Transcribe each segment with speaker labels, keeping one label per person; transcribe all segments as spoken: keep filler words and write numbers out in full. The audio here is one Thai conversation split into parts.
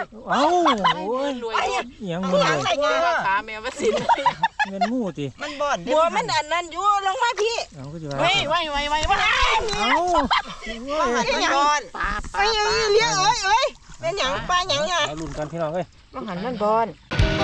Speaker 1: เอ้าโอ้ยรวยยังมึงเลย
Speaker 2: ขาแมวมาสิน
Speaker 1: เงินมู่ติ
Speaker 2: มันบ่อนบัวมันอันนั้นอยู่ลงมาพี่ไว้ไว้ไว้ไว้ไว้
Speaker 1: เอ้า
Speaker 2: มันบ่อนปลาปลาเลี้ยงเอ้ยเอ้ยเป็นหยังปลาหยังอ่ะ
Speaker 1: ลุ้นกันพี่น้องเอ้ย
Speaker 2: มันหันมันบ่อน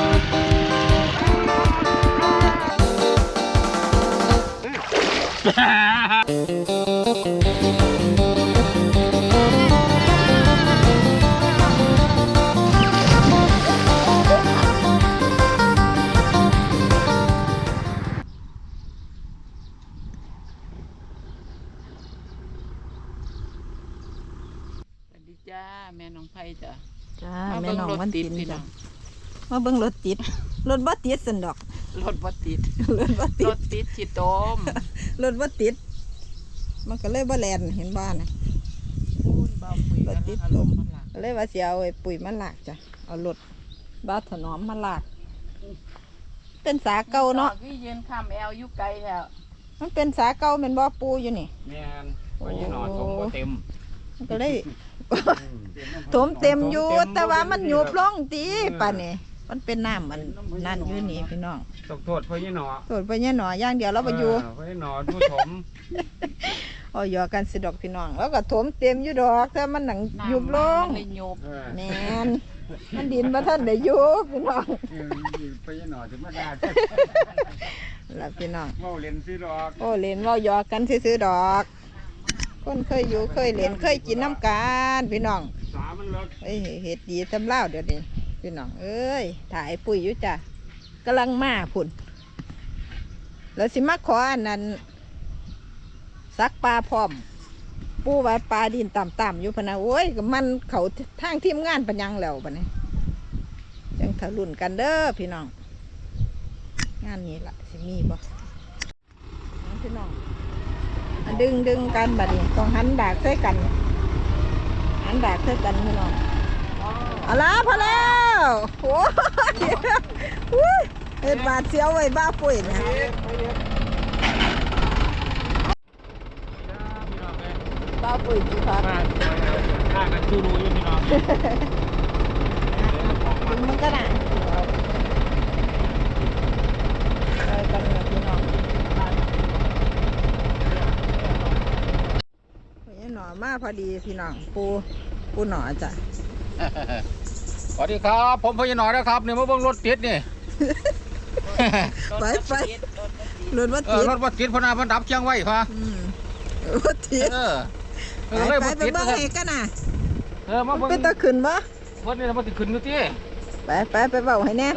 Speaker 2: จ้าแม่น้องไผ่จ้ะ
Speaker 3: จ้าแม่น้องวันติดจ้ะมาเบิ่งรถติดรถบ่ติดสันดอก
Speaker 2: รถบ่ติด
Speaker 3: รถบ่ติด
Speaker 2: รถติดขี้ตม
Speaker 3: รถบ่ติดมันก็เลยบ่แล่นเห็นบ้านน่ะรถติดตมก็เลยว่าสิเอาไอ้ปุ๋ยมาลากจ้ะเอารถบ้าถนอมมาลากเป็นสาเก่าเนาะ
Speaker 2: พี่ยืนข้ามแอลอยู่ไกลแล้ว
Speaker 3: มันเป็นสาเก่าแม่นบ่ปูอยู่นี่
Speaker 1: แม่นว่าอยู่หนอถมบ่เต็ม
Speaker 3: มันก็เลยถมเต็มอยู่แต่ว่ามันหยุบลงตีป่ะนี่มันเป็นน้ำมันนั่นอยู่นี่พี่น้อง
Speaker 1: ตกโทษพ่อยี่หนอ
Speaker 3: โทษพ่อยี่หนอย่างเดียวเราไปอยู่
Speaker 1: พ่อยี่หนอดูถม
Speaker 3: อ๋อยอกันสิดอกพี่น้องแล้วก็ถมเต็มอยู่ดอกแต่มันหนังหยุบลงแน่นมันดินมาท่านได้ยุบพี่น้อง
Speaker 1: พ่อยี่หนอจะมาด่า
Speaker 3: แล้วพี่น้อง
Speaker 1: โอ้เล่นซื้อดอก
Speaker 3: โอ้เล่นว่ายอกันซื้อดอกคนเคยอยู่เคยเล่นเคยกินน้ำกันพี่น้อง
Speaker 1: สามันเลิก
Speaker 3: เอ้ยเห็ดดีทำเล่าเดี๋ยวนี้พี่น้องเอ้ยถ่ายปุ๋ยอยู่จ้ะกำลังมาพุ่นแล้วสิมาขออันนั้นซักปลาพร้อมปูไว้ปลาดินต่ำๆอยู่พนะโอ้ยกับมันเขาทางทีมงานปัญญังแล้วปะเนี่ยยังทะลุนกันเด้อพี่น้องงานนี้ละสิมีบ่พี่น้องดึงดึงกันบัดนี้ต้องหันดากใส่กันหันดากใส่กันพี่น้องเอาละพอแล้วโอ้ยเห็ดบาดเสียวไว้บ้าปุ๋ยนะบ้าปุ๋ยจีพัด
Speaker 1: ข้ากันจูรูอยู่พี่น้อง
Speaker 3: ดึงมันก็น่ะไปกันนะพี่น้องหน่อมาพอดีพี่น้องปูปูหน่อจ้ะ
Speaker 1: สวัสดีครับผมพ่อยี่หน่อนะครับเนี่ยมาเบิ่งรถติดนี่
Speaker 3: ไปไปรถวัดติด
Speaker 1: รถวัดติดพนาพันดับเชียงไว้ค่ะ
Speaker 3: วัดติดไปไปไปเบิ่งให้กันน่ะ
Speaker 1: เออมาเบิ่ง
Speaker 3: เป็นตะขึ้นบ่
Speaker 1: วันนี้มาติดขึ้นอยู่ที่
Speaker 3: ไปไปไปเบิ่งให้แน่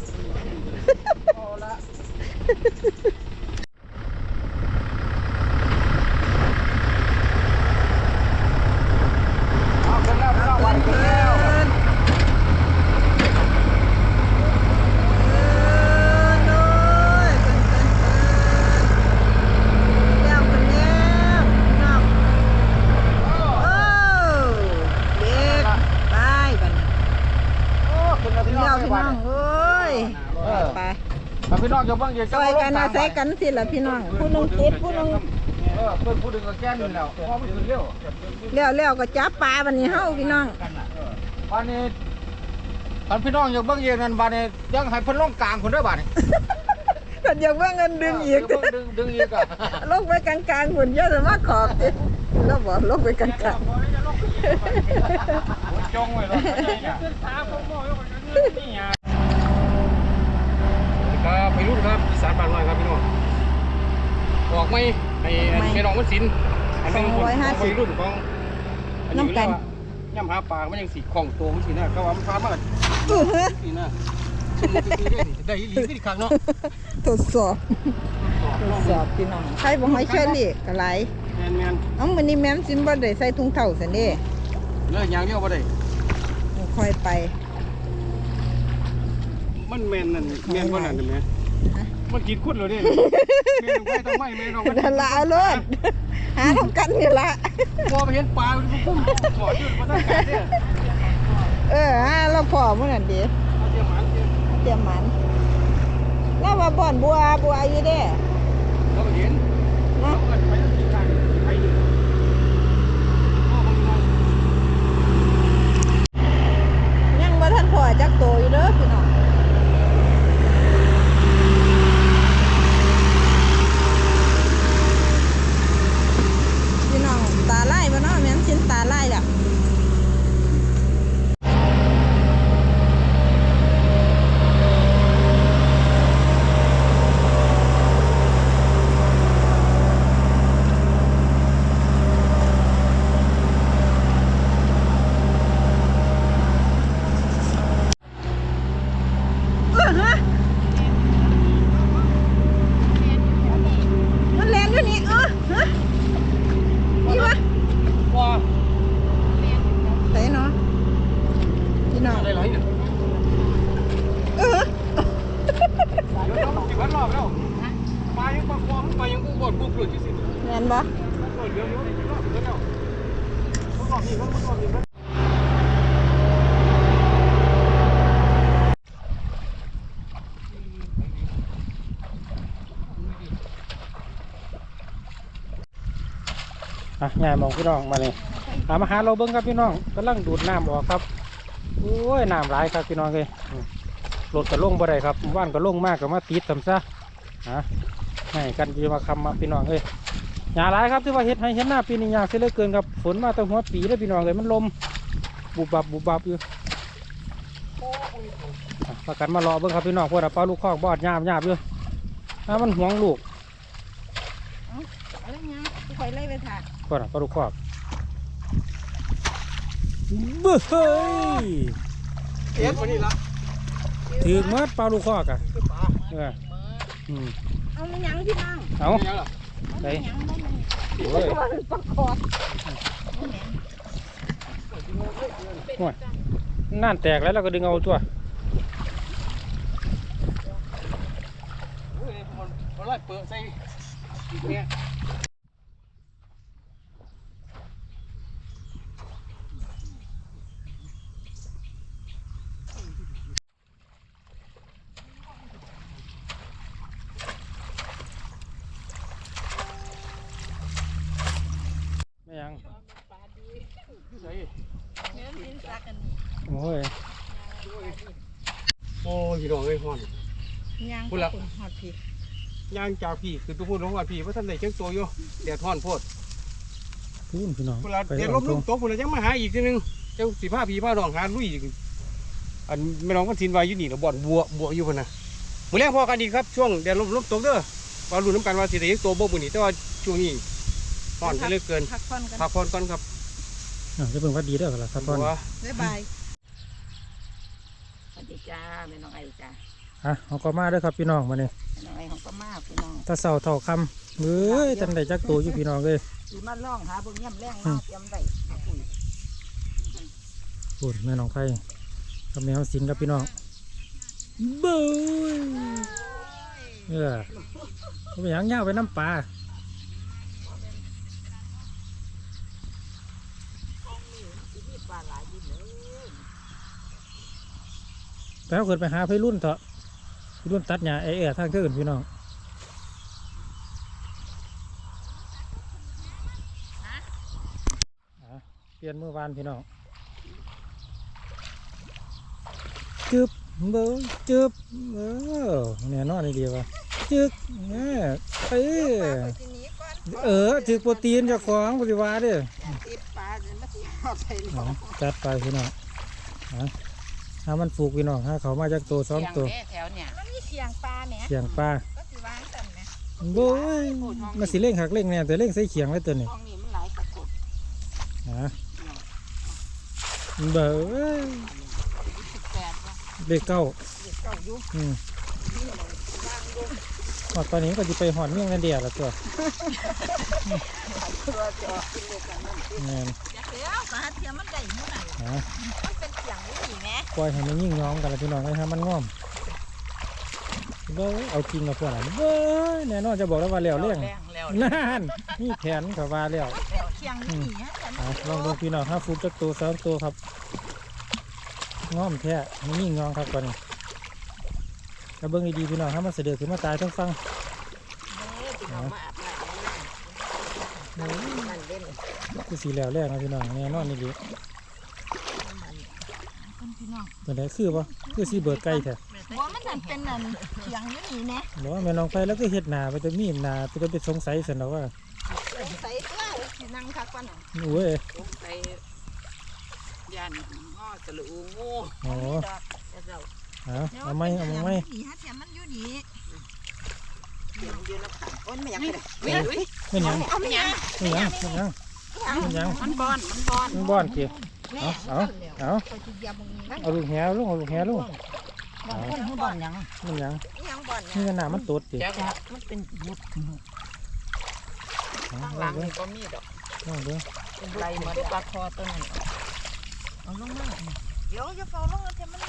Speaker 1: พี่น้องจะบ้างยัง
Speaker 3: ซอยกันอาศัยกันสิล่ะพี่น้องผู้นึงติดผู้นึง
Speaker 1: เออเพิ่นผู้นึงก็แก้นอยู่แล้วพอมันขึ้นเร็ว
Speaker 3: เร็วเร็วก็จับปลาบัดนี้เฮาพี่น้อง
Speaker 1: บัดนี้ท่านพี่น้องอย่าเบิ่งเองนั่นบัดนี้ยังให้เพิ่นลงกลางคนเด้อบัดนี้
Speaker 3: เพิ่นอยากเบิ่งเงินดึงอีก
Speaker 1: ดึงดึงอีกอ่ะ
Speaker 3: ลงไปกลางๆพุ่นเยอะแต่ว่าขอบติแล้วบ่ลงไปกลางๆ
Speaker 1: จงไว้แล้วขึ้นขาผมบ่ยกนี่หยังครับไปรุ่นครับอีสานบ้านน้อยครับพี่น้องออกไหมไอ้แม่น้องมันสินอันนี้ไปรุ่นของ
Speaker 3: น้ำกัน
Speaker 1: ย่ำหาปลามันยังสีของโตมันสีน่ะก็ว่ามันพามาสีน่ะได้อีหลีอีกครั้งเนาะ
Speaker 3: ทดสอบทดสอบพี่น้องใครบอกให้เชื่อดิกระไร
Speaker 1: แมนแมน
Speaker 3: เอ้ามันนี่แม่ซิมบ่ได้ใส่ถุงเท้าสันนี่
Speaker 1: เลยยางเดียวบ่ได้
Speaker 3: ค่อยไป
Speaker 1: มันแมนนั่นแมนก็นั่นเห็นไหมมันกินคุดเลยเนี่ยแมนไม่ต้องไม่แมนต้องไม่
Speaker 3: นั่นละเอาเลยหาทำกันนี่ละ
Speaker 1: พอไปเห็นปลามันพุ่งถอดยืดมาตั้งแต่เนี่ย
Speaker 3: เออเราพอมันนั่นดี
Speaker 1: เตรียมหมัน
Speaker 3: เตรียมหมันแล้วว่าบ่อนบัวบัวอยู่เด้
Speaker 1: เราเห็นนะไปแล้วกินได้ไปอยู่
Speaker 3: ยังบ่จักโตอยู่เด้อพี่น้องพี่น้องตาไล่บ่เนาะแม่นชิ้นตาไล่แล้วมันแรงอยู่นี่เออฮะนี่วะ
Speaker 1: ว้า
Speaker 3: ไหนเนาะพี่น้อง
Speaker 1: อะไรไหลเนี่ย
Speaker 3: เออ
Speaker 1: เดี๋ยวเราสิบวันรอบแล้วมายังปากคลองมายังกูบดกูเกลือที่สิ
Speaker 3: แม่นบ่
Speaker 1: เออเดี๋ยวเดี๋ยวเดี๋ยวเดี๋ยวเดี๋ยวรอบนี้มันรอบนี้มันอ่ะง่ายมองพี่น้องมาเลยหามาหาเราเบิ้งครับพี่น้องกำลังดูดน้ำออกครับโอ้ยน้ำไหลครับพี่น้องเลยรถก็ลงบ่ได้ครับว่านก็ลงมากก็มาติดทำซะฮะให้กันจะมาคำมาพี่น้องเลยหยาหลายครับที่ว่าเฮ็ดให้เห็นหน้าปีนี้ยากเสียเหลือเกินครับฝนมาตั้งหัวปีแล้วพี่น้องเลยมันลมบุบบับบุบบับอยู่ประกันมารอเบิ้งครับพี่น้องพวกเราเป้าลูกคอกบอดหยาบหยาบอยู่ถ้ามันห่วงลูก
Speaker 3: อะไรเงี้ยคอยไล่ไปถ่าย
Speaker 1: ก่อนปลาลูกคอกเบ้ยเอ็ดวันนี้ละถือมัดปลาลูกคอกอ่ะเอออืม
Speaker 3: เอาไม่ยั้งพี่น้อง
Speaker 1: เอาใส่โอ้ย
Speaker 3: ประคอ
Speaker 1: โอ้ยน่านแตกแล้วเราก็ดึงเอาตัวมันไล่เปิดใส่เนี่ยไม่ยังโอ้ยโอ้ยพี่น้องเอ้ยฮ้อน
Speaker 3: ย่าง
Speaker 1: พูดละ
Speaker 3: หอดพี่
Speaker 1: ย่างจากพี่คือตัวพูดของว่าพี่ว่าท่านได้เจ้าตัวอยู่แดดฮ้อนโพด
Speaker 4: พูนพี่น้อง
Speaker 1: พูดละเดี๋ยวลบลูกตกพูดละยังมาหาอีกทีนึงเจ้าสีผ้าพี่ผ้าดองหาลุยอีกอันไม่น้องกันสินวายอยู่นี่เราบ่อนบัวบัวอยู่พนนะมื้อแรกพอกันอีกครับช่วงแดดลบลบตกเด้อว่ารู้น้ำกันว่าสิได้ตัวบ่มื้อนี้แต่ว่าช่วงนี้ฮ้อนไปเหลือเกิน
Speaker 3: พักผ่อนกัน
Speaker 1: พักผ่อนก่อนครับ
Speaker 4: อ่ะจะเป็นว่าดีเด้อล่ะครับพ่อ
Speaker 1: บัว
Speaker 3: บ๊ายบาย
Speaker 2: สวัสดีจ้าแม่น้องไอจ้า
Speaker 4: อ่ะเอาก็มาเด้อครับพี่น้องมาเนี่ย
Speaker 2: แม่น้องไอของป้ามาพี่น้อง
Speaker 4: ถ้าเสาเท่าคำเอ้ยจันได้จักตัวอยู่พี่น้องเลย
Speaker 2: สีมาล่องหาเบิ่งย่ำแรงมาเตรียมได้ปุ๋ย
Speaker 4: พูนแม่น้องไข่กับแมวสินกับพี่น้องเบ้ยเออเอาไปหยังเงาไปน้ำปลาแล้วเกิดไปหาพี่รุ่นเถอะพี่รุ่นตัดหญ้าเอ๋ทางเกินพี่น้องอ่ะเปลี่ยนมือวานพี่น้องจึบเบ้ยจึบเออเนี่ยนอนนี่ดีวะจึกเนี่ยเออเออจึกโปรตีนเจากของปฏิวัติเด้อ
Speaker 2: ติดปลาจะมาสิเอาใส่หล
Speaker 4: อ๋
Speaker 2: อ
Speaker 4: อจัดไปพี่น้องฮะถ้ามันฝูกพี่น้องถ้าเขามาจากตัวสองตัว
Speaker 2: แถวเนี่ย
Speaker 3: มันมีเสียงปลาเนี่ย
Speaker 4: เขียงปลา
Speaker 3: ก็สิวางกันไหม
Speaker 4: โบ้ยมาสิเล่งหักเล่งเนี่ยแต่เล่งใส่เขียงไว้ตัวนี้
Speaker 2: ห้องนี้มันหลายตะกรุด
Speaker 4: ฮะเบ้ย
Speaker 2: สิบแปดว่ะ
Speaker 4: เด็กเก้า
Speaker 2: เด็กเก่าอยู่
Speaker 4: อืมหอดตอนนี้ก็จะไปหอดเมี่ยงนั่นเดียวละตัว
Speaker 2: ตัวจะกินเล็กกันนั่น
Speaker 4: เงี้ย
Speaker 3: อยากเลี้ยวปลาเทียมมันได้เมื่อไหร่
Speaker 4: ฮะ
Speaker 3: มันเป็นเสียงนี่แม่
Speaker 4: ปล่อยให้มันยิ่งย้อมกันละพี่น้องให้มันง่อมเบ้ยเอาจริงกับพวกนั้นเบ้ยแน่นอนจะบอกแล้วว่าแล้วเรื่อง
Speaker 2: แรงแล้ว
Speaker 4: นั่นนี่แผนเขาว่าแล้ว
Speaker 3: เป็นเสียงนี่ฮะแต่
Speaker 4: อ่ะลองดูพี่น้องถ้าฟูดจักตัวสองตัวครับง้อมแท้มียิ่งงองครับก่อนนี่ถ้าเบิ้งดีๆพี่น้องถ้ามันเสด็จขึ้นมาตายต้องฟัง
Speaker 2: เอามาอาบน้ำมันเล่น
Speaker 4: คือสีแล้วแรกนะพี่น้องแน่นอนนี่ดี
Speaker 3: คนพี่พี่น้อง
Speaker 4: ตัวไหนคือบ่คือสีเบิดไก่แท้
Speaker 3: บ่มันนั่นเป็นนั่นเถียงอยู่นี่แน่
Speaker 4: บอกว่าแม่น้องไปแล้วก็เฮ็ดหน้าไปจะมีหน้าไปจะไปสงสัยซั่นดอกว่า
Speaker 3: ใส่เสื้อสินั่งคักกว่านั้น
Speaker 4: โอ้ย
Speaker 2: ไปยันงอตะลูงู
Speaker 4: อ๋อ
Speaker 3: ดอกเจ้า
Speaker 4: เอาเอาไหมเอาไหม
Speaker 3: นี่ฮะเถียงมันอยู่นี่
Speaker 2: ยืนยืนแล้วขาโอ้ยไม่อยากเลย
Speaker 4: ไม่หยัง
Speaker 2: เอาไม่ยัง
Speaker 4: ไม่หยังไม่หยังไม่หยัง
Speaker 2: มันบอนมันบอน
Speaker 4: มันบ้อนกี่
Speaker 3: แม่
Speaker 4: เอาเอาเอา
Speaker 3: เขาสิยามงนี้
Speaker 4: เอาลูกแหวลูกเอาลูกแหวลูก
Speaker 3: บ่คนฮู้บ่อนหยัง
Speaker 4: มันหยัง
Speaker 3: ยังบ่อนหยั
Speaker 4: นี่
Speaker 3: ง
Speaker 4: หน้ามันตดติ
Speaker 2: จ้ามันเป็นบุตรข้างหลังนี่ก็มีดอก
Speaker 4: ลองดู
Speaker 2: เป็นไรเหมือนปลาคอตัวนั้นเอาลงมา
Speaker 3: เดี๋ยวจะเฝ้าลงแล้วจะมัน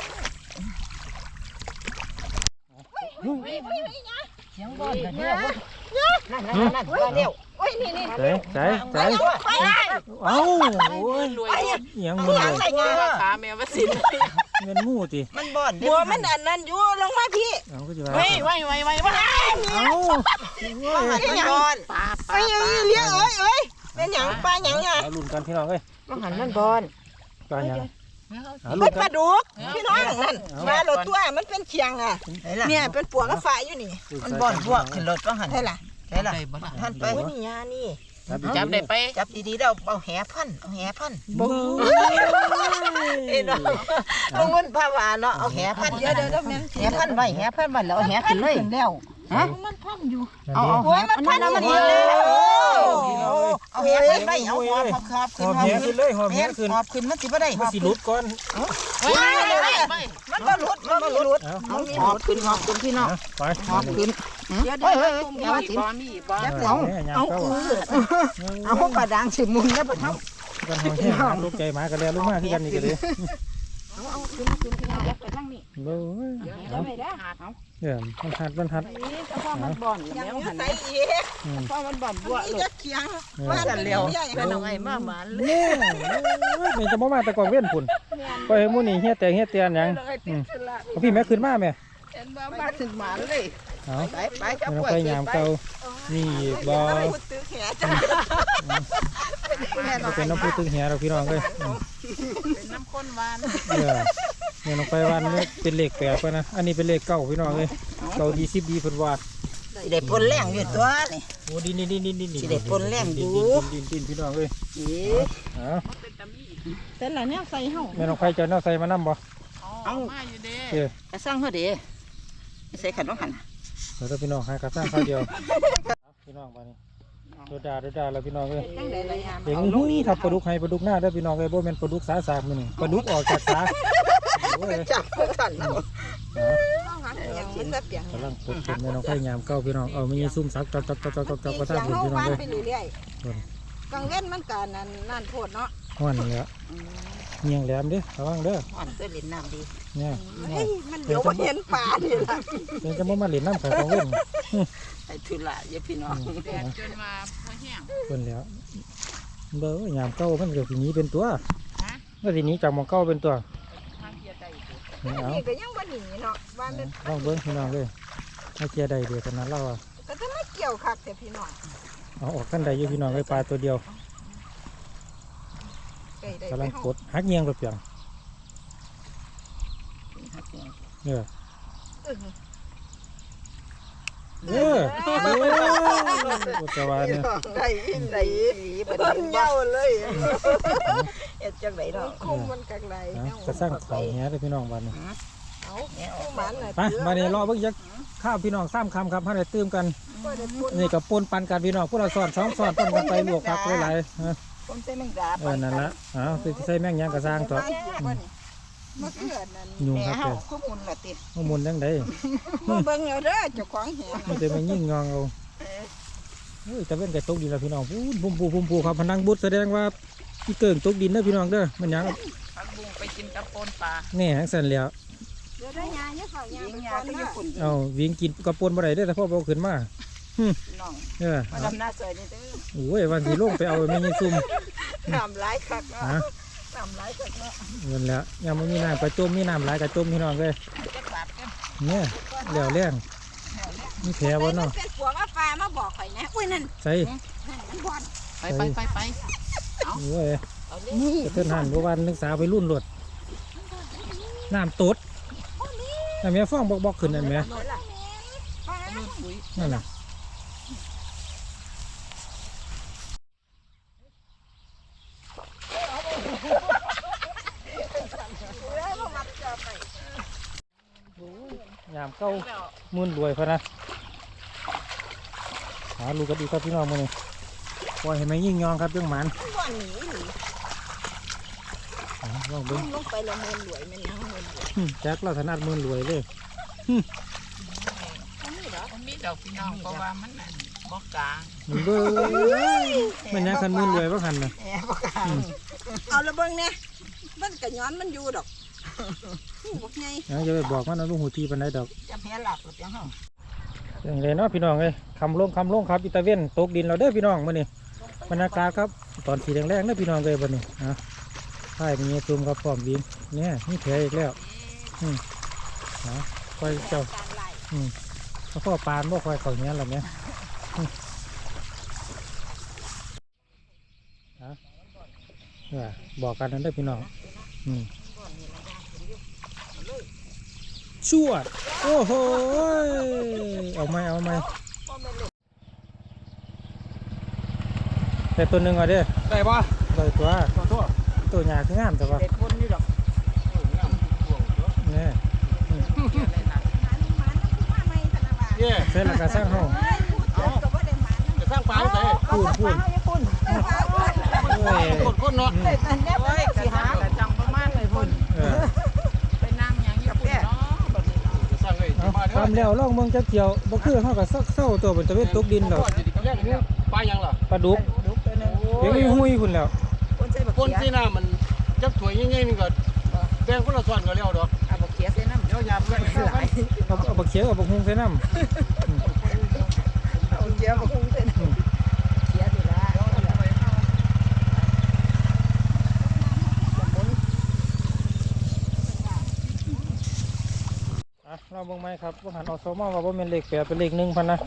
Speaker 2: เสียงบอนแบบนี้นั่นนั่นนั่นมาเร็ว
Speaker 3: โอ้ยนี่นี่
Speaker 4: ใส่ใส่ใส่เอ้าโอ้ย
Speaker 2: รวย
Speaker 4: หยังมันเลย
Speaker 2: ขาแมวมาสิน
Speaker 4: เงินงูติ
Speaker 2: มันบอน
Speaker 3: บัวมันอันนั้นอยู่ลงมาพี่
Speaker 4: เอาก็จะว่า
Speaker 2: ไว้ไว้ไว้ไว้ไว้
Speaker 4: เอาโอ้ย
Speaker 2: มันบอนปลาปลา
Speaker 3: เอ้ยเลี้ยงเอ้ยเอ้ยเป็นหยังปลาหยังอ่ะ
Speaker 4: เอาลุ่นกันพี่น้องเอ้ย
Speaker 2: มันหันมันบอน
Speaker 4: ปลาหยังเอา
Speaker 3: มั
Speaker 4: ลุ่
Speaker 3: น
Speaker 4: น
Speaker 3: ป
Speaker 4: กั
Speaker 3: ลาน ดุกพี่น้องนั่นมาโหลดตัวมันเป็นเคียงอ่ะเนี่ยเป็นปัวกระฝาอยู่นี่
Speaker 2: มันบอนพวกขึ้นรถก็หัน
Speaker 3: ใช่ล่ะ
Speaker 2: ใช่ล่ะท่านไป
Speaker 3: โอ้ยนี่ยานี่
Speaker 2: จับได้ไปจับดีๆเราเอาแหพันเอาแหพัน
Speaker 4: บ่
Speaker 2: เอ้เนาะลงเงินภาวาเนาะเอาแหพัน
Speaker 3: เดี๋ยวเดี๋ยวเดี๋ยวแม่น
Speaker 2: แหพันไว้แหพันไว้แล้วเอาแหขึ้นเลย
Speaker 3: แล้วฮะมันพันอยู่
Speaker 4: เอา
Speaker 3: โอ้ยมันพัน
Speaker 2: มัน
Speaker 3: อยู่
Speaker 2: นี่
Speaker 3: นี่
Speaker 2: เอาแหพันไว้เอาหอบหอบ
Speaker 4: หอบแหขึ้นเลยหอบแหขึ้น
Speaker 2: หอบขึ้นมันสิบ่ได้ห
Speaker 4: มัน
Speaker 2: อบ
Speaker 4: สิหลุดก่อน
Speaker 2: มันบ่หลุดมันบ่หลุด
Speaker 4: เอา
Speaker 2: หอบขึ้นหอบขึ้นพี่น้อง
Speaker 4: ไป
Speaker 2: หอบขึ้น
Speaker 3: เดี๋ยว
Speaker 2: เฮ้ย
Speaker 3: เดี๋ยว
Speaker 2: เฮ้ย
Speaker 3: ตุ่ม
Speaker 2: อย่า
Speaker 3: ไว้
Speaker 2: ว่าสิบ่มีบ่
Speaker 4: เอาเอา
Speaker 3: เอา
Speaker 4: เอา
Speaker 3: เออเอาพวกกระดังสิมุนแล้วปะเท่า
Speaker 4: กันห้องแห้งหาลูกใจหมากันแล้วลูกมาคือกันนี่ก็เลย
Speaker 3: เอาเอาขึ้นขึ้นขึ้นยัดไปทางนี้
Speaker 4: โอ้ย
Speaker 3: เดี๋ยว
Speaker 4: เอา
Speaker 3: ไม่ได้เอา
Speaker 4: เดี๋ยวมันหัดมันหัด
Speaker 3: นี่เฉพาะมันบ่อนยังอยู่ใส่อีก
Speaker 4: อืม
Speaker 3: เพราะมันบ่อนบัวเลยจะเคียง
Speaker 2: ว่า
Speaker 3: ว่า
Speaker 2: จะ
Speaker 3: จะ
Speaker 2: เร็
Speaker 3: เร็
Speaker 2: ว
Speaker 3: ว
Speaker 2: เป็นเอาไงมาหมาเลย
Speaker 4: นี่นี่จะมามาแต่ก่อนเว้นพุ่นไปให้หมู่นี่เฮียแต่เฮียเตียนหยังอืมเอาพี่แม่ขึ้นมาแม่
Speaker 2: เห็นบ่มาถึงหมาเลย
Speaker 4: เอา
Speaker 2: ไปไปจับ
Speaker 4: มัน
Speaker 2: กล้วย
Speaker 4: ไปยามเก่านี่บ่
Speaker 3: ไม่พูดตื้อแขนจ้ะ
Speaker 4: ก็เป็นน้ำพุตึงเหียเราพี่น้องเลย
Speaker 2: เป็นน้ำข้นหวาน
Speaker 4: เออเนี่ยลงไปวันนี้เป็นเลขแปดไปนะอันนี้เป็นเลขเก้าพี่น้องเลยเก้าดีสิบดีเพิ่นว่า
Speaker 2: สิได้ปนแรงอยู่ตัวนี่
Speaker 4: โอ้ดินดินดินดินดิน
Speaker 2: สิได้ปนแรงอยู่
Speaker 4: ดินดินดินพี่น้องเลย
Speaker 2: อี
Speaker 4: เอา
Speaker 3: แต่ละเนี่ยใส่เห่า
Speaker 4: แม่น้องไฟจะเอาใส่มานํบ่
Speaker 2: เอามาอยู่เด้
Speaker 4: เออ
Speaker 2: จะสร้างเฮาเด้ใส่ขันว่าขัน
Speaker 4: เดี๋ยวพี่น้องให้กับสร้างข้าวเดียวพี่น้องไปนี่โดดาโดดาแล้วพี่น้องเลย
Speaker 3: จังได๋ล่ะยาม
Speaker 4: เด็กนี่ทับปลาดุกให้ปลาดุกหน้าได้อพี่น้องเลยบ่แม่นปลาดุกสาสากมื้อนี่ปลาดุกออกจากสาโอ้ย
Speaker 2: จับขันเอา
Speaker 3: อย่างมันจะเปลี่ยน
Speaker 4: กำลังปลูกเป็นแม่น้องไฟยามเก้าพี่น้องเอามีซุ่มซักจอกจอกจอกจอกจอกกระทะ
Speaker 3: เสียง
Speaker 4: พี่
Speaker 3: เฮา
Speaker 4: น้อง
Speaker 3: วาน
Speaker 4: เลย
Speaker 3: ไปเรื่อยๆกลางเว้นมันก็นั่นนั่นโพดเนาะ
Speaker 4: ห้อนนี่แหละเงียงแหลมเด้อระวังเด้อ
Speaker 2: อ่อนตัวเล่นน้ำดี
Speaker 4: เนี่ย
Speaker 3: เฮ้ยมันเดี๋ยวบ่เห็นปลานี่ล่ะ
Speaker 4: เป็นจะมามาเล่นน้ำไข่ของเล่น
Speaker 2: ไอ้ทุละอย่าพี่น้องแดดจนมาพอแห้ง
Speaker 4: เพิ่นแล้วเบ้อยามเก้ามันก็สิหนี้เป็นตัวก็สิหนี้จากหมองเก้าเป็นตัว
Speaker 2: ทางเกียร์ใจ
Speaker 4: นี่เอา
Speaker 3: นี่ก็ยังบ่หนีเนาะบ้านนั้น
Speaker 4: ลองเบิ้งพี่น้องเลยให้เกียร์ใดเดียวกันนั้นเราอะ
Speaker 3: ก็จะไม่เกี่ยวคักแต่พี่น้อง
Speaker 4: เอาออกกันใดอยู่พี่น้องเลยปลาตัวเดียว
Speaker 3: ไก่ได้
Speaker 4: กำ
Speaker 3: ไป
Speaker 4: ลัง
Speaker 3: เฮาก
Speaker 4: ดหักเงียงรถเปียงเนี่ยเออเออจะว่าเนี่ย
Speaker 3: ได้ได้บ่ได้เหี่ยวเลยเฮ็ดจังไดเนาะคุมมันกักได
Speaker 4: นะจะสร้างของเนี้ยเลยพี่น้องวันนี้
Speaker 3: เอาผู้หมันน่ะ
Speaker 4: ไปมาเนี่ยรอเบิ่งยักข้าวพี่น้องซ้ำคำครับให้ได้ตื่มกัน
Speaker 3: บ่ได้ปุ่น
Speaker 4: นี่กับปนปันกันพี่น้องพวกเราสอนสองสอนปันกันไปลวกผักหลายๆฮะ
Speaker 2: คนใส่แมงดา
Speaker 4: เออนั่นละอ้าวสิใส่แม่งหยังกระสร้างต่อ
Speaker 3: มะเขือนั่น
Speaker 4: ยุง
Speaker 2: แห
Speaker 4: ครับ
Speaker 2: เฮา
Speaker 4: แก
Speaker 2: คือมุนละติ
Speaker 4: ข้อมูลยังไง
Speaker 3: มาเบิ่งเอาเด้อเจ้าของแห
Speaker 4: มันจะมายิ่งงองเอาเฮ้ยแต่เป็นไก่ตกดินแล้วพี่น้องปูปูปูปูครับพนังบุตรแสดงว่าพี่เกิงตกดินเด้อพี่น้องเด้อมันหยัง
Speaker 2: ผักบุ้งไปกินกับปนปลา
Speaker 4: แน่ทั้งสันแล้ว
Speaker 3: เดี๋ยวได้ยาเนี่ยเขายา
Speaker 2: ยิง
Speaker 3: ไป
Speaker 2: ยา
Speaker 3: ก่อน
Speaker 2: ก็
Speaker 3: เด้
Speaker 2: ญี่
Speaker 3: อ
Speaker 2: ปุ่น
Speaker 4: เอาวิ่งกินกระปนบ่ได้เด้อแต่พ่อเอาขึ้นมา
Speaker 2: น้อง
Speaker 4: เออ
Speaker 2: มาดำหน้าซอยนี่เด้อ
Speaker 4: โอ้ยวันสีลงไปเอาไม่มีซุ่ม
Speaker 3: น้ำหลายคักเนาะ
Speaker 4: ฮะ
Speaker 3: น้ำหลายคักเนาะ
Speaker 4: เงินแล้วยังไม่มีน้ำกระจมมีน้ำหลายกระจมพี่น้องเลย
Speaker 2: จักบาทกัน
Speaker 4: เนี่ยเหลวแรงมีแผลบ่เนาะ
Speaker 3: เป็นปวกอาฟ้ามาบอกข่อยนะอุ้ยนั่น
Speaker 4: ใส่
Speaker 3: นั่นมันบอด
Speaker 2: ไปไปไปไป
Speaker 4: โอ้ย
Speaker 2: เอาเลย
Speaker 3: นี่
Speaker 4: กระเทือนหันเมื่อวานนักศึกษาไปรุ่นรถน้ำตดแต่แม่ฟ้องบอกบอกขึ้นนั่นแม่นั่นน่ะยามเก้ามื่นรวยพะนะหาลูกกันดีครับพี่น้องมื้อนี้ปล่อยให้แม่ยิ่งยองครับจังหมัน
Speaker 3: ก่อนหนีหนี
Speaker 4: อ๋อลองเบิ่ง
Speaker 3: ลงไปละเมินรวยแม่นยังเมินรวย
Speaker 4: หึแจ็คเราถนัดมื่นรวยเลย
Speaker 3: อันนี้เหรอ
Speaker 2: มันมีดอกพี่น้องเพราะว่ามันนั่นบ่กลาง
Speaker 4: เบิ่งมันยังคันมื่นรวยบ่คันน่ะ
Speaker 2: แอบบ่กลาง
Speaker 3: เอาละเบิ่งเนี่ยมันกะย้อนมันอยู่ดอกหูบักใหญ่
Speaker 4: ยังจะไปบอกมันเอาลูกหูทีปานใดดอก
Speaker 2: จะแพ้หลับหรือยังเฮา
Speaker 4: อย่างไรเนาะพี่น้องเอ้ยคำลงคำลงครับอิตาเวนตกดินเราเด้อพี่น้องมื้อนี้บรรยากาศครับตอนสีแดงๆเด้อพี่น้องเอ้ยบัดนี้นะใช่มีซูมครับพร้อมบินเนี่ยมีแผลอีกแล้วอืมนะคอยเจ้า
Speaker 3: การไล่
Speaker 4: อืมแล้วก็ปานบ่คอยเขาเนี้ยหรอเนี่ยอืมนะเนี่ยบอกกันนั่นเด้อพี่น้องอืมชวดโอ้โหเอาไหมเอาไหมแต่ตัวหนึ่งเอาเด้อ
Speaker 1: ได้ปะ
Speaker 4: ได้ตัว
Speaker 1: ขอโทษ
Speaker 4: ตัวใหญ่คืองามแต่ว่า
Speaker 2: เด็ดคนนี่ดอก
Speaker 4: เนี่ย
Speaker 3: มันมันมันคือว่าไม่ธนบัตร
Speaker 1: เย่
Speaker 4: เสร็จแล้วก็สร้างห้อง
Speaker 3: เฮ้ยพูดเถอะก็บ่ได้มัน
Speaker 1: จะสร้างปลาใส่
Speaker 4: พูดพูดเอ้ย
Speaker 1: คนคนเนาะ
Speaker 3: เฮ้ยอันเนี้ย
Speaker 2: โอ้ยกระจังกระจังประมาณเลยพุ่น
Speaker 4: เออ
Speaker 2: ไปนั่งหยังอยู่พุ่นเนาะบัดนี้
Speaker 1: จะสร้างเลย
Speaker 4: เอาทำแล้วล่องเมืองจักเกี่ยวบ่คือเขาก็ซักเศร้าตัวเป็นตะเวนตกดินดอก
Speaker 1: ปลายังล่ะ
Speaker 4: ปลาดุก
Speaker 2: ดุกไปนึง
Speaker 4: เดี๋ยวมีหุยคุณแล้ว
Speaker 3: คนใส่บัก
Speaker 1: คน
Speaker 3: เขี
Speaker 1: ที่
Speaker 3: ย
Speaker 1: หน้ามันจักถวยง่ายๆนี่ก็แบ่งคนละส่วนก็แล้วดอก
Speaker 2: เอาบักเขียใส่น้ำ
Speaker 1: เดี๋ยวยามกัน
Speaker 4: เอาเอาบักเขียวเอาบักฮุงใส่น้
Speaker 3: เอาเขียบักคงใส่น้ำเขียดีละ
Speaker 4: ำอ่ะเราเบิ่งไหมครับว่าหันอสมอว่าบ่แม่นเลขแปดเป็นเลขหนึ่งพันนะ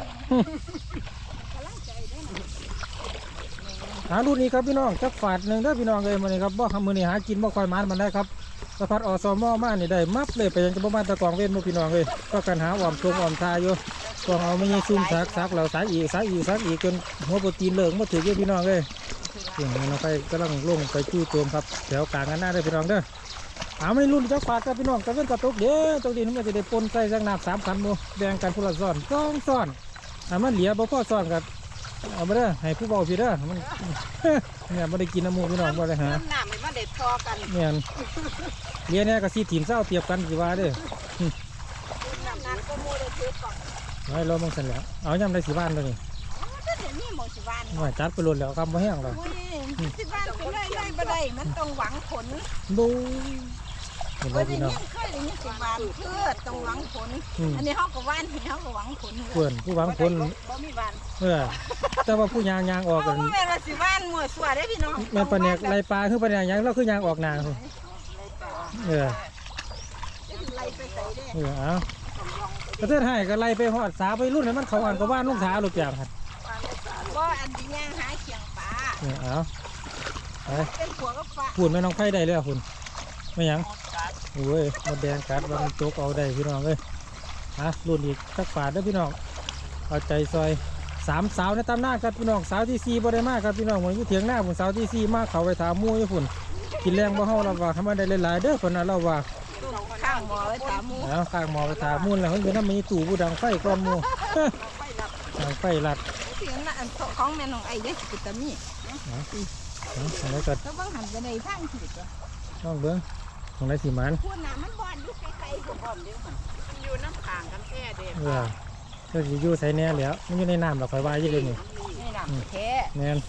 Speaker 4: หารุ่นนี้ครับพี่น้องจักฝาดหนึ่งเด้อพี่น้องเลยมื้อนี้ครับบ่มื้อนี้หากินบ่ค่อยมันมันได้ครับสะพัดอสมอมานี่ได้มับเลยไปยังจะบ่มาตะกองเว้นบ่พี่น้องเลยก็กันหาอ้อมทงอ้อมทาอยู่กองเอาไม่ยังซุ่มซักซักแล้วซักอีกซักอีกซักอีกจนหัวโปรตีนเหลืองบ่ถือเยอะพี่น้องเลยเสียงมันไปกำลังลงไปจู่โจมครับแถวกลางกันหน้าเด้อพี่น้องเด้อหาไม่รุ่นจักฝาดครับพี่น้องตะเว้นตะตกเด้อตกดินมันจะได้ปนใส่สักน้ำสามขันหมู่แบ่งกันผู้ละซ้อนสองซ้อนอ่ะมันเหลือบ่พอซ้อนกันเอามาเด้อให้ผู้เบาพี่เด้อมัน เนี่ยไม่ได้กินน้ำมูกพี่น้องบ่ได้หา
Speaker 3: น้ำน้ำมันเด็ดพอกัน
Speaker 4: เนี่ยเลี้ยเนี่ยก็ซีทีมเศร้าเทียบกันสิว่าเด้อ
Speaker 3: น้ำนั้นก็โมได้ถือก่อน
Speaker 4: ไว้รอมองสันแหล้วเอาย่ำได้สิบ้านตัวนี้
Speaker 3: ก็เดี๋ยวนี้หมอสิบาน
Speaker 4: หน่อยจัดไปรวดแล้วคำบ่แห้งแล้ว
Speaker 3: อุ้ยสิบานเป็นไรไรบ่ได้มันต้องหวังผล
Speaker 4: ดูเห็นไหม
Speaker 3: เคยได้
Speaker 4: พี่น้อง
Speaker 3: ยินเคยได้ยินสิบานเพื่อต้องหวังผล
Speaker 4: อืม
Speaker 3: อันนี้เขาก็ว่านเขาก็หวังผล
Speaker 4: เพื่อนผู้หวังผล
Speaker 3: บ่มีบาน
Speaker 4: เออแต่ว่าผู้ยางยางออกกัน
Speaker 3: บ่แม่นว่าสิบ้านมั่วซั่วได้พี่น้อง
Speaker 4: แม่นปลาแนกไรปลาคือปลาแนกยางเราคือยางออกหนาพุ่นเออ
Speaker 3: ไล่ไปใส่ได้
Speaker 4: เออเอาประเทศไทยก็ไล่ไปหอดสาไปรุ่นให้มันเขาอ่านก็บ้านลูกสาวลูกอย่างครับ
Speaker 3: บ่อันที่ย่างหาเขียงปลา
Speaker 4: เออเอาไป
Speaker 3: เป็นผัวกับฟ้า
Speaker 4: พูดแม่น้องไผ่ได้เลยอ่ะคุณไม่หยังโอ้ยมดแดงกัดว่ามันโจกเอาได้พี่น้องเลยฮะรุ่นอีกสักฝาดเด้อพี่น้องเอาใจซอยสามสาวในตำหน้าครับพี่น้องสาวที่สี่บ่ได้มากครับพี่น้องเหมือนอยู่เถียงหน้าผมสาวที่สี่มากเขาไปถามหมู่อยู่พุ่นกินแรงบ่เฮาเราว่าทำไมได้หลายๆเด้อคนนั้นเราว่า
Speaker 3: ข้างหมอไว้ถามหมู
Speaker 4: แล้วข้างหมอไปถามมุ่นแล้วเฮ้ยเดี๋ยวนั้นมีตู่ผู้ดังไฟก้อนหมู่ ดังไฟลัด
Speaker 3: เสียงน่ะอันของแม่น้องไอ้เด้สิตามี
Speaker 4: เอาอันนี้ก็
Speaker 3: แล้วบางหันไปในทางผิด
Speaker 4: น้องเบิ้งของไรสีมัน
Speaker 3: พูดน่ะมันบ่อนอยู่ไกลๆก็บ่อนเด้อมัน
Speaker 2: อยู่น้ำข้างกันแท้เด้
Speaker 4: เออก็สิอยู่ใส่แน่แล้วมันอยู่ในน้ำเราคอยว่าอยู่เลยนี่
Speaker 3: นี่น่ะแท้
Speaker 4: แน่น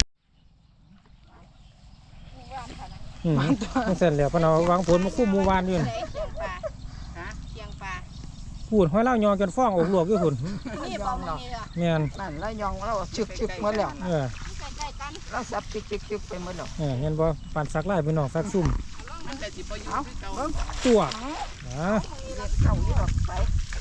Speaker 4: อืมมันเสร็จแล้วเพนเอาวางผลมาคุ้มหมู่วานอยู่นั่น
Speaker 3: เคียงปลาฮะเคียงปลา
Speaker 4: พูดห้อยเล่ายองจนฟ้องอกลวกอยู่พุ่น
Speaker 3: นี่บ่มันนี่ล่ะ
Speaker 4: แม่น
Speaker 2: นั่นแล้วยองเราชึกชึกหมดแล้ว
Speaker 4: เออ
Speaker 3: ใกล้ๆกัน
Speaker 2: เราสับชึกชึกชึกไปหมดแล้ว
Speaker 4: เออเห็นบ่ปั่นซักไล่พี่น้องซักซุ่ม
Speaker 2: มันจะสิบ่อยู่คือเก่า
Speaker 4: ตัวอ่า
Speaker 2: เด็ดเก่าอยู่ดอกไป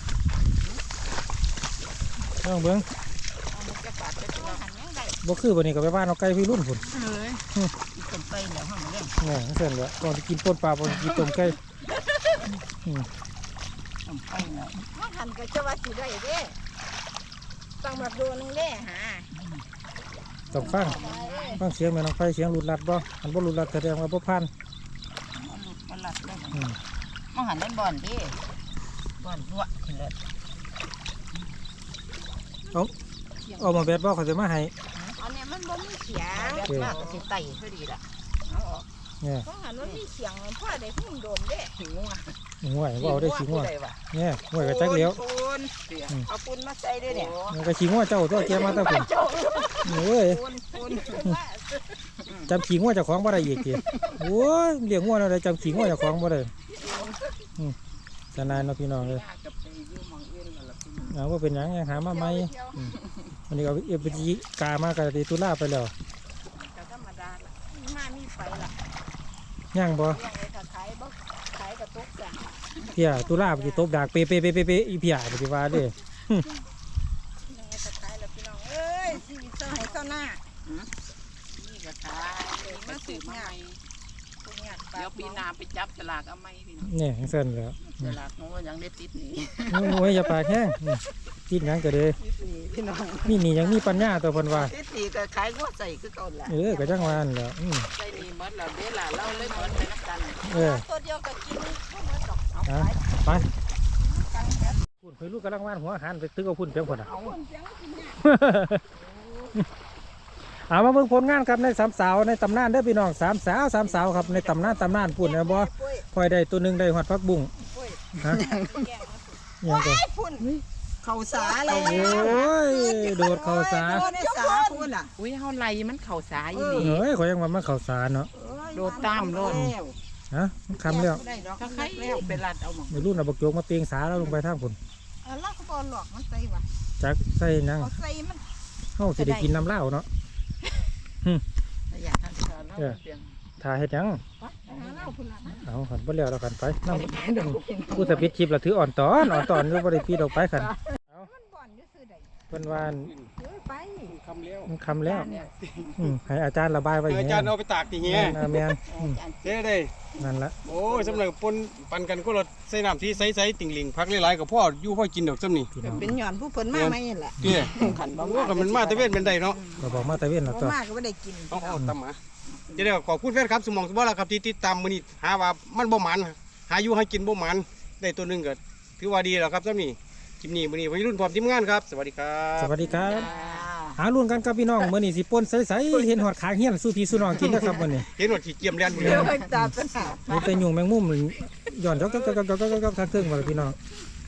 Speaker 4: น้องเบิ้ง
Speaker 2: เอามันจะปาดไปเป็น
Speaker 3: หันยังได้
Speaker 4: บ่คือวันนี้ก็ไปบ้านเอาไก่พี่รุ่นพุ่น
Speaker 2: เลยต้นไปแล้วห้องเรื่อง
Speaker 4: เนี่ยเสร็จแล้วก่อนจะกินต้นปลาก่อนจะกินต้มไก่
Speaker 1: อืม
Speaker 3: ว่าหันก็จะว่าสิได้เด้ต้องมาดูนึงเด้หา
Speaker 1: ต้องฟังฟังเสียงแม่น้องไฟเสียงหลุดลัดบ่อันบ่หลุดลัดแสดงว่าบ่ผ่าน
Speaker 2: หลุดมันหลัดเลย
Speaker 1: อืม
Speaker 2: มันหันเล่นบอลดิบอลรั่วขึ้นเลย
Speaker 1: เอาเอามาแบดบ่เขาจะมาให้
Speaker 3: อันนี้มันบ่มีเสียง
Speaker 2: แบบมากก็สิไต่พอดีละเอาออก
Speaker 1: เนี่ย
Speaker 3: เพราะหันมันมีเสียงพ่อได้หุ่นโดนเด้
Speaker 2: หิวอ่ะ
Speaker 1: ห่วยบ่เอาได้ขี้ง่ว
Speaker 2: ได้ว่ะ
Speaker 1: เนี่ยห่วยก็จักเลี้ยว
Speaker 2: ปูนเอาปูนมาใส่ด้วยเนี่ย
Speaker 1: มันก็ขี้ง่วเจ้าตัวแกมาแตะพุ่นเอ้ย
Speaker 2: ปูนปูน
Speaker 1: จำขี้ง่วเจ้าของบ่ได้อีกติโอ้ยเลี้ยงง่วแล้วได้จำขี้ง่วเจ้าของบ่ได้อืมสนานเนาะพี่น้องเอ้ย
Speaker 2: กับไปอยู่มองอื่นกันละพี่
Speaker 1: เอาว่าเป็นหยังยังหามาใหม่อืมวันนี้ก็เอฟจีกามากับตีตุลาไปแล้ว
Speaker 3: ก็ธรรมดาล่ะมามีไฟล่ะ
Speaker 1: ย่างบ่
Speaker 3: เรื่องไอ้ถ้าขายบ่ขายกระตุกจ้ะ
Speaker 1: เพียตุลาไปสิตบดากเปเปเปเปเปอีเพียไปสิว่าเด้
Speaker 3: เรื่องไอ้ถ้าขายแล้วพี่น้องเอ้ยชีวิตเจ้าให้เจ้าหน้า
Speaker 2: นี่ก็ขายมาซื้อมาใหม่
Speaker 3: ทุกอย่าง
Speaker 2: เดี๋ยวปีหน้าไปจับสลากเอาไหมพี่น้อง
Speaker 1: เนี่ยจังซั่นแหล้ว
Speaker 2: สลากน้องยังได้ติดหนี
Speaker 1: โอ้ยอย่าปากแห้งอืมติดหยังก็เด้
Speaker 2: พี่น้อง
Speaker 1: มีหนี่ยังมีปัญญาตัวเพิ่นว่า
Speaker 2: ติดหนีก็ขายหัวใส่คือเก่าแหละ
Speaker 1: เออก็จังว่านั่นแหล้วอืม
Speaker 2: ใส่หนีหมดแล้วเดี๋ยวล่ะเราเลยหมดไปนักกัน
Speaker 1: เออ
Speaker 3: ตัวเดียวก็กินบ่หมดดอกเอา
Speaker 1: อ่ะ
Speaker 3: ไป
Speaker 1: ไปพุ่นเคยลูกกำลังว่านหัวหันไปตึกเอาพุ่นเพียงพุ่นอ่ะ
Speaker 3: เอาคนเสียงกินเนี่ย
Speaker 1: เอามาเบิ่งผลงานครับในสามสาวในตำนานเด้อพี่น้องสามสาวสามสาวครับในตำนานตำนานพุ่นนะบ่พลอยได้ตัวหนึงได้หอดพักบุ้งฮะยังก็
Speaker 2: พุ่นเข่าสาเลย
Speaker 1: โอ้ยโดดเข้าสา
Speaker 2: โดนในสาพุ่นอ่ะอุ้ยเฮาไล่มันเข่าสาอีหลี
Speaker 1: เฮ้ยขอยยังว่ามันเข้าสาเนาะ
Speaker 2: โดดตามโลด
Speaker 1: ฮะมันคำแล้ว
Speaker 2: ถ้าใครแล้วไปรัดเอาหมอง
Speaker 1: ไม่รู้นะบักโจกมาเตียงสาแล้วลงไปทางพุ่น
Speaker 3: เออเราก็บ่หลอกมันใส่ว่ะ
Speaker 1: จักใส่หยัง
Speaker 3: เอาใส่มัน
Speaker 1: เฮาสิได้กินน้ำเหล้าเนาะ
Speaker 2: อยากทานสาแล้วเสียง
Speaker 1: ถ่ายเฮ็ดหยัง
Speaker 3: หาเหล้าพุ่นล่ะนะ
Speaker 1: เอาขันบ่แล้วแล้วขันไปนำกูจะปิดคลิปแล้วถืออ่อนตอนอ่อนตอนอยู่บ่ได้ปิดออกไปขัน
Speaker 3: มันบ่อนอยู่ซื่อใด
Speaker 1: เพิ่นว่า
Speaker 3: เอ้ยไป
Speaker 4: คำเลี้ยว
Speaker 1: มันคำแล้วอืมให้อาจารย์ระบายไว้อย่าง
Speaker 4: อา
Speaker 1: เงี้
Speaker 4: จารย์เอาไปตากที่เงี้ย
Speaker 1: ยแม่นอืม
Speaker 4: เจ๊ได้
Speaker 1: นั่นละ
Speaker 4: โอ้ยสำหรับปนปันกันก็รถใส่น้ำที่ใสๆติ่งหลิงพักหลายๆกับพ่ออยู่พ่อกินดอกซ้ำนี่
Speaker 1: พี่น้อง
Speaker 3: เป็นหย่อนผู้เพิ่นมาไหมนี่แหละ
Speaker 4: เจ๊
Speaker 2: ขันบ่
Speaker 4: โอ้ก็มันมาตะเวนเป็นใดเนาะ
Speaker 1: ก็บอกมาแต่เว้นแล้ว
Speaker 3: บ่
Speaker 1: ตัว
Speaker 3: มาก็บ่ได้กิน
Speaker 4: เอาเอาตำหมาจะได้ขอบคุณแฟนครับสมองสมบัติแล้วครับที่ติดตามมื้อนี้หาว่ามันบ่หมันหาอยู่ให้กินบ่หมันได้ตัวหนึงก็ถือว่าดีแล้วครับซ้ำนี่คลิปนี้มื้อนี้วัยรุ่นพร้อมทีมงานครับสวัสดีครับ
Speaker 1: สวัสดีครับหาลุ้นกันกับพี่น้องมื้อนี้สิป่นใสๆเห็นหอดขางเฮียนสู้พี่สู้น้องกินนะครับมื้อนี้
Speaker 4: เห็นว่าขี้เกียจเรียนบุรี
Speaker 3: เดี๋ยวไปตามปัญหา
Speaker 1: มีแต่ยุงแมงมุมย้อนจอกๆๆๆๆๆทางเครื่องว่าล่ะพี่น้อง